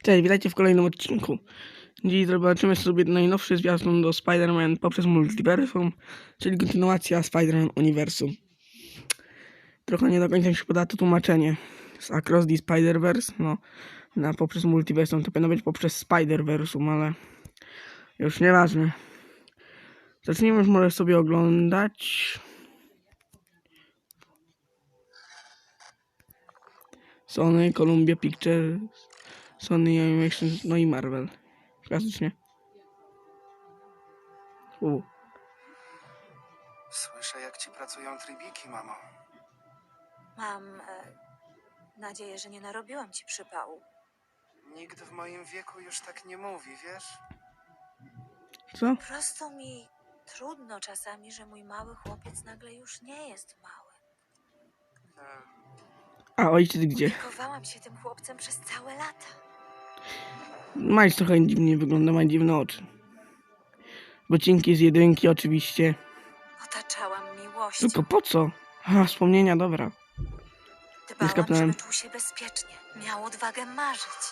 Cześć, witajcie w kolejnym odcinku. Dziś zobaczymy sobie najnowszy zwiastun do Spider-Man poprzez Multiversum, czyli kontynuacja Spider-Man Uniwersum. Trochę nie do końca mi się poda to tłumaczenie. Z Across the Spider-Verse, poprzez Multiversum to powinno być poprzez Spider-Versum, ale już nieważne. Zacznijmy już może sobie oglądać. Sony, Columbia Pictures, Sony Animations, no i Marvel. Klasycznie. Słyszę, jak ci pracują trybiki, mamo. Mam nadzieję, że nie narobiłam ci przypału. Nikt w moim wieku już tak nie mówi, wiesz? Co? Po prostu mi trudno czasami, że mój mały chłopiec nagle już nie jest mały. E, A ojciec gdzie? Opiekowałam się tym chłopcem przez całe lata. Miles trochę dziwnie wygląda, ma dziwne oczy. Bocinki z jedynki oczywiście. Otaczałam miłością. Tylko po co? A, wspomnienia, dobra. Dbałam, skapnąłem. żeby czuł się bezpiecznie. Miał odwagę marzyć.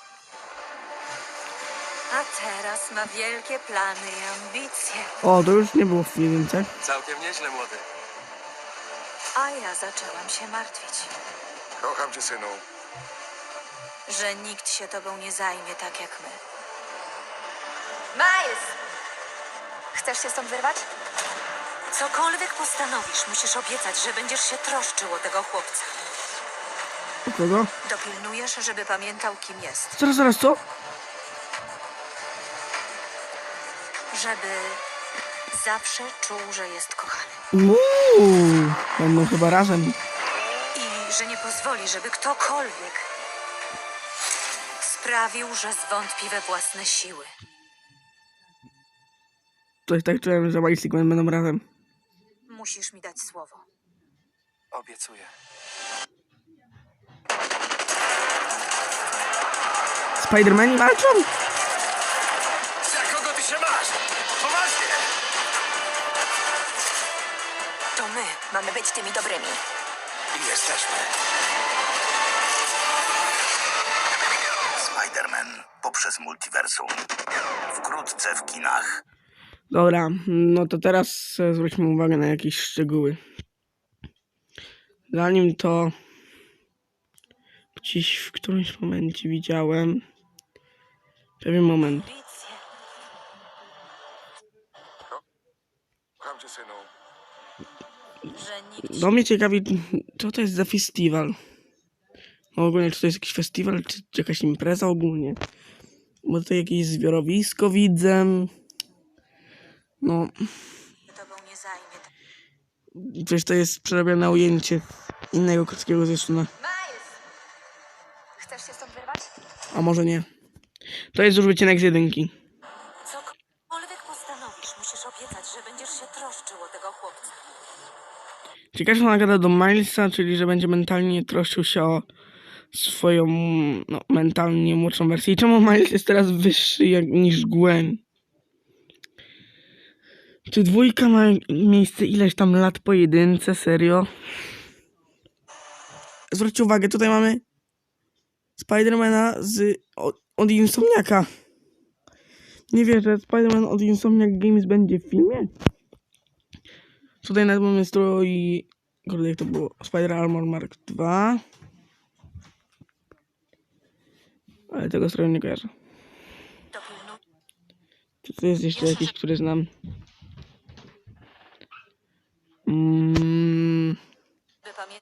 A teraz ma wielkie plany i ambicje. O, to już nie było w jedynce. Całkiem nieźle, młody. A ja zaczęłam się martwić, Kocham cię, synu. że nikt się tobą nie zajmie tak jak my. Miles! Chcesz się stąd wyrwać? Cokolwiek postanowisz, musisz obiecać, że będziesz się troszczył o tego chłopca. O kogo? Dopilnujesz, żeby pamiętał, kim jest. Zaraz, co? Żeby zawsze czuł, że jest kochany. Będą chyba razem. I że nie pozwoli, żeby ktokolwiek sprawił, że zwątpi we własne siły. Coś tak czułem, że Miles i Gwen będą razem. Musisz mi dać słowo. Obiecuję. Spider-Mani walczą? Za kogo ty się masz? Poważnie! To my mamy być tymi dobrymi. I jesteśmy. Spider-Man poprzez Multiversum. Wkrótce w kinach. Dobra, no to teraz zwróćmy uwagę na jakieś szczegóły. Zanim to gdzieś w którymś momencie widziałem pewien moment. Ambicje. Kocham cię, synu. Że nikt No mnie ciekawi, co to jest za festiwal. No ogólnie, czy to jest jakiś festiwal, czy jakaś impreza ogólnie. Bo to jakieś zbiorowisko widzę. No, się tobą nie zajmie. przecież to jest przerobione ujęcie innego krótkiego zwiastuna. Miles! Chcesz się stąd wyrwać? A może nie. To jest już wycinek z jedynki. Cokolwiek postanowisz, musisz obiecać, że będziesz się troszczył o tego chłopca. Ciekawe, że ona gada do Milesa, czyli że będzie mentalnie troszczył się o swoją, mentalnie młodszą wersję. I czemu Miles jest teraz wyższy niż Gwen? Czy dwójka ma miejsce ileś tam lat po jedynce? Serio? Zwróćcie uwagę, tutaj mamy Spidermana od Insomniaka. Nie wierzę, Spider-Man od Insomniac Games będzie w filmie? Tutaj nawet mamy strój... Kurde, jak to było? Spider Armor Mark II. Ale tego stroju nie kojarzę. Dopilnuj. Czy to jest jeszcze jakiś, który znam? By pamiętać.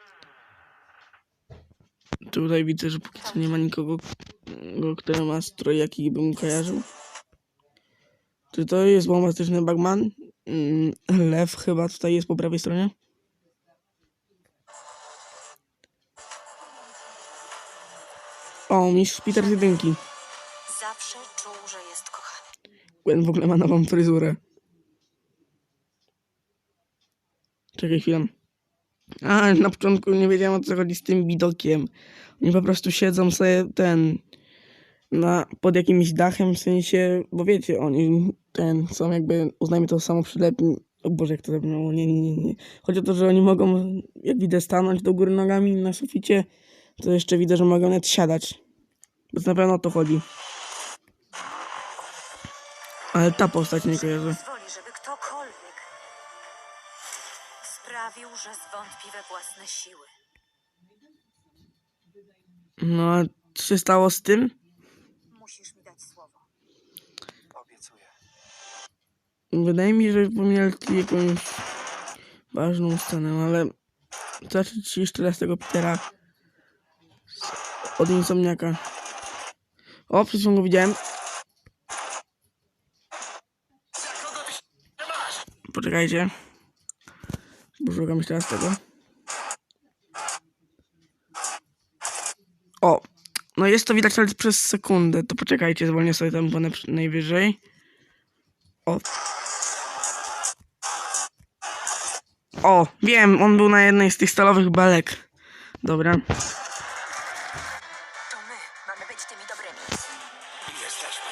Tutaj widzę, że póki co nie ma nikogo, kto ma strój, jaki bym kojarzył. Czy to jest bombastyczny Bagman? Lew chyba tutaj jest po prawej stronie. O, mistrz Peter z jedynki. Zawsze czuł, że jest kochany. Gwen w ogóle ma nową fryzurę. Czekaj chwilę. A, na początku nie wiedziałem, o co chodzi z tym widokiem. Oni po prostu siedzą sobie pod jakimś dachem, w sensie, bo wiecie, oni są jakby, uznajmy to samo przylepni. O Boże, jak to zabrzmiało, nie. Chodzi o to, że oni mogą, jak widzę, stanąć do góry nogami na suficie, to jeszcze widzę, że mogą nawet siadać. Więc na pewno o to chodzi. Ale ta postać nie kojarzy. Pozwoli, żeby ktokolwiek sprawił, że zwątpi we własne siły. No, a co się stało z tym? Musisz mi dać słowo. Obiecuję. Wydaje mi się, że pominęli jakąś ważną scenę, ale zacząć jeszcze raz tego Petera od Insomniaka. O, przed chwilą go widziałem. Za kogo ty się masz? Poczekajcie. Poszukam jeszcze raz tego. O! No jest to widać ale przez sekundę. To poczekajcie, zwolnię sobie tempo najwyżej. O! O! Wiem, on był na jednej z tych stalowych belek. Dobra. To my mamy być tymi dobrymi. Jesteśmy.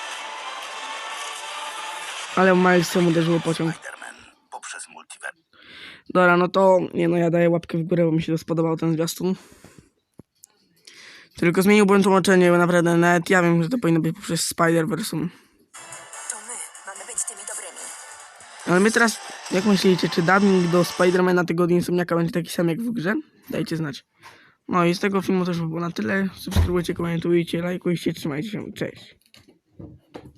Ale Milesem uderzyło pociąg. Spider-Man poprzez multiversum. Dobra, no to... Nie no, ja daję łapkę w górę, bo mi się to spodobał ten zwiastun. Tylko zmieniłbym tłumaczenie, bo naprawdę nawet ja wiem, że to powinno być poprzez Spider-Versum. To my mamy być tymi dobrymi. Ale my teraz, jak myślicie, czy dubbing do Spidermana tego od Insomniaka będzie taki sam jak w grze? Dajcie znać. No i z tego filmu też by było na tyle. Subskrybujcie, komentujcie, lajkujcie, trzymajcie się. Cześć.